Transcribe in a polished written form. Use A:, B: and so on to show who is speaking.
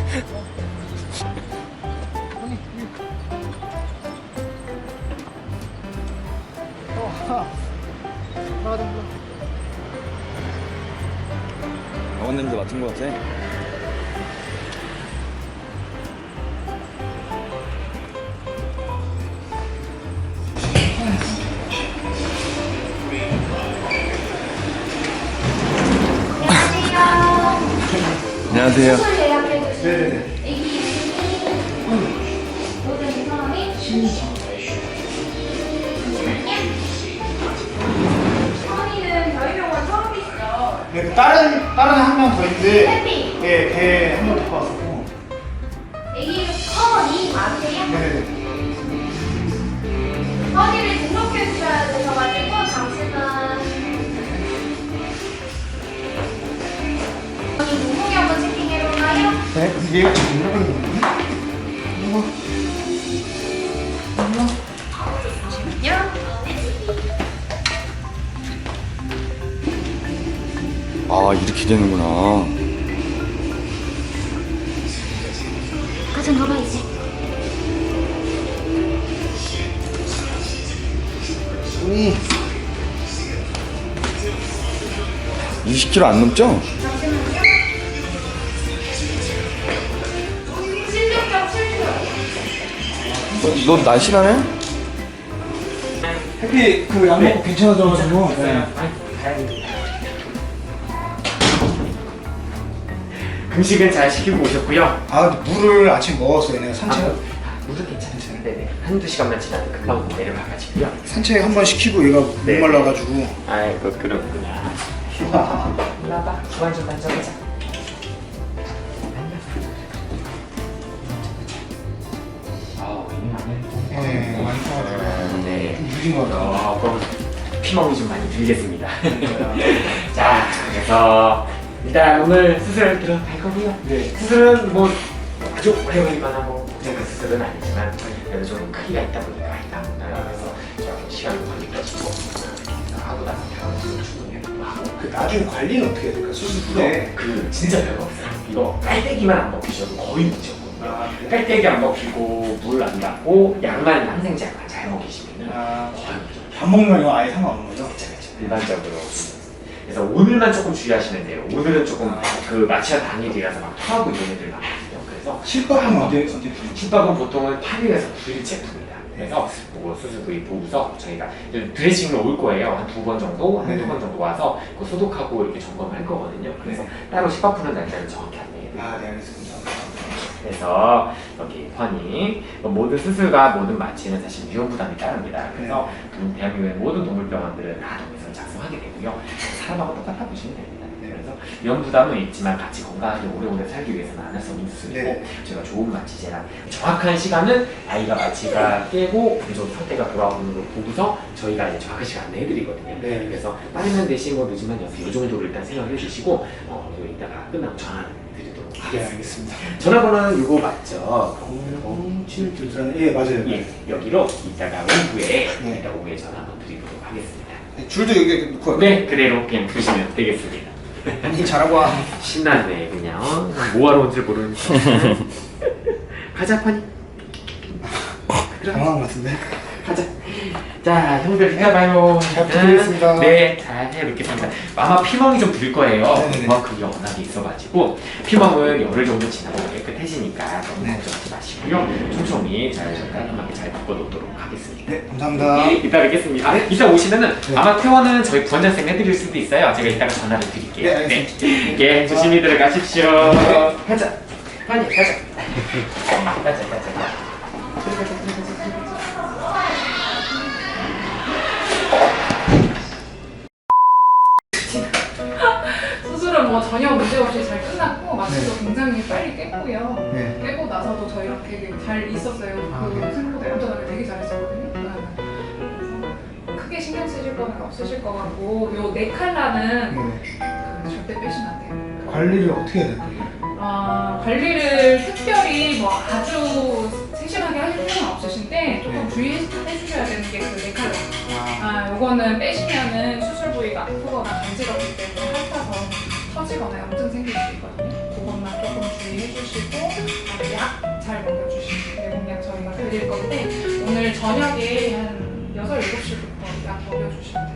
A: 병원 냄새 맡은 것 같아. 안녕하세요.
B: 수술 예약해주신 애기 모든 사람이 성원이는 저희 병원 처음이시죠?
C: 네, 다른 한 명 더 있는데
B: 해피
C: 네, 배 한 번 더 왔었고.
B: 애기 성원이 맞으세요?
C: 네네네.
B: 성원이를 등록해 주셔야 되셔가지고 잠시만 성원이 몸무게 한번 체킹해볼까요?
C: 네, 이게 지금 이러고 있는 거예요?
B: 잠시만요.
A: 아, 이렇게 되는구나.
B: 가장 가봐 이제.
C: 손이
A: 20kg 안 넘죠?
B: 잠시만요. 16.7kg.
A: 너 날씬하네?
C: 해피 그 약 먹고 괜찮아져가지고. 네.
D: 금식은 잘 시키고 오셨고요.
C: 아, 근데 물을 아침 먹었어요. 내가 산책
D: 물은 괜찮으세요? 네네. 한두 시간만 지나도 금방 내려가가지고요.
C: 산책 한 번 시키고 얘가
D: 네.
C: 목말라가지고.
D: 아이고 그렇구나. 나봐. 그만 좀 만져보자. 아우
C: 네, 많이 떠가지고.
D: 네.
C: 좀 늦은 것 같아요.
D: 그럼 피멍이 좀 많이 들겠습니다. 자, 그래서 일단 오늘 수술 들어갈 거고요.
C: 네.
D: 수술은 뭐 아주 오래 걸릴만 하고 그 수술은 아니지만 그래도 좀 크기가 있다 보니까 그래서 좀 시간이 걸리가지고 하고 나서 병원에 출근을 하고
C: 그 나중에 관리는 어떻게 해야 될까? 수술 후에.
D: 그 진짜 별거 없어요. 이거 깔때기만 안 먹히셔도 거의 문제없거든요.
C: 아, 그래요?
D: 깔때기 안 먹히고 물 안 받고 약만 항생제 약만 잘 먹이시면은
C: 아,
D: 거의 문제
C: 밥 먹는 거 아예 상관없는 거죠?
D: 없죠. 일반적으로. 그래서 오늘만 조금 주의하시면 돼요. 오늘은 조금 그 마취한 당일이라서 막 토하고 이런 애들 많거든요. 그래서
C: 실밥은 언제
D: 실밥은 보통은 8일에서 9일 제품이다. 그래서 그거 수술 부위 보고서 저희가 드레싱으로 올 거예요. 한 2번 정도, 한두 번 정도 와서 그 소독하고 이렇게 점검할 거거든요. 그래서 따로 실밥 푸는 날짜를 정확히 안내해요.
C: 아, 네, 알겠습니다.
D: 그래서 여기 허니 모든 수술과 모든 마취는 사실 위험 부담이 따릅니다. 그래서 대한민국의 모든 동물병원들은 다 동의서를 작성하게 되고요. 사람하고 똑같아 보시면 됩니다. 그래서 위험 부담은 있지만 같이 건강하게 오래오래 살기 위해서는 안 할 수 없는 수술이고
C: 네.
D: 저희가 좋은 마취제랑 정확한 시간은 아이가 마취가 깨고 좀 상태가 돌아오는 걸 보고서 저희가 이제 정확한 시간 안내해드리거든요.
C: 네.
D: 그래서 빠르면 4시, 뭐 늦으면 6시 이 정도로 일단 생각을 해주시고 그리고 이따가 끝나고 전화 드리도록
C: 네,
D: 하겠습니다.
C: 알겠습니다.
D: 전화번호는 이거 맞죠?
C: 0723, 예, 맞아요.
D: 예, 여기로 이따가 오후에
C: 네.
D: 이따 오후에 전화 한번 드리도록 하겠습니다.
C: 네, 줄도 여기 놓고 갈까요?
D: 네, 그대로 그냥 두시면 되겠습니다.
C: 이 잘하고 와.
D: 신나네 그냥 뭐하러 온 줄 모르니까. 가자 파니.
C: 당황한 것 같은데.
D: 가자. 자, 형들 이따 봐요.
C: 잘 부탁드리겠습니다.
D: 네, 잘 해뵙겠습니다. 아마 피멍이 좀 들 거예요.
C: 네네네.
D: 그만큼 워낙에 있어가지고 피멍은 열흘 정도 지나고 깨끗해지니까 너무
C: 네.
D: 걱정하지 마시고요. 촘촘히 잘 깔끔하게 잘 바꿔놓도록 하겠습니다.
C: 네, 감사합니다.
D: 네, 이따 뵙겠습니다. 이따 오시면은
C: 네.
D: 아마 퇴원은 저희 부원장쌤 해드릴 수도 있어요. 제가 이따가 전화를 드릴게요.
C: 네, 알겠습니다.
D: 네. 예, 조심히 들어가십시오.
C: 네.
D: 가자. 빨리 가자. 가자.
E: 수술은 뭐 전혀 문제 없이 잘 끝났고 마취도 굉장히 빨리 깼고요.
C: 네.
E: 깨고 나서도 저희랑 되게 잘 있었어요.
C: 아,
E: 그
C: 네.
E: 생각보다 얌전하게 되게 잘했었거든요. 그래서 크게 신경 쓰실 거는 없으실 것 같고 요 네 칼라는
C: 네.
E: 절대 빼시면 안 돼요.
C: 관리를 어떻게 해야 될까요?
E: 관리를 특별히 뭐 아주 세심하게 하실 필요는 없으신데 조금
C: 네.
E: 주의해 주셔야 되는 게 그 네 칼라. 요거는 빼시면은 수술 부위가 아프거나 간지럽기 때문에 핥아서 터지거나 염증 생길 수 있거든요. 그것만 조금 주의해 주시고 약 잘 먹여주시고 내복약 저희가 드릴 건데 오늘 저녁에 한 6, 7시부터 약 먹여주시면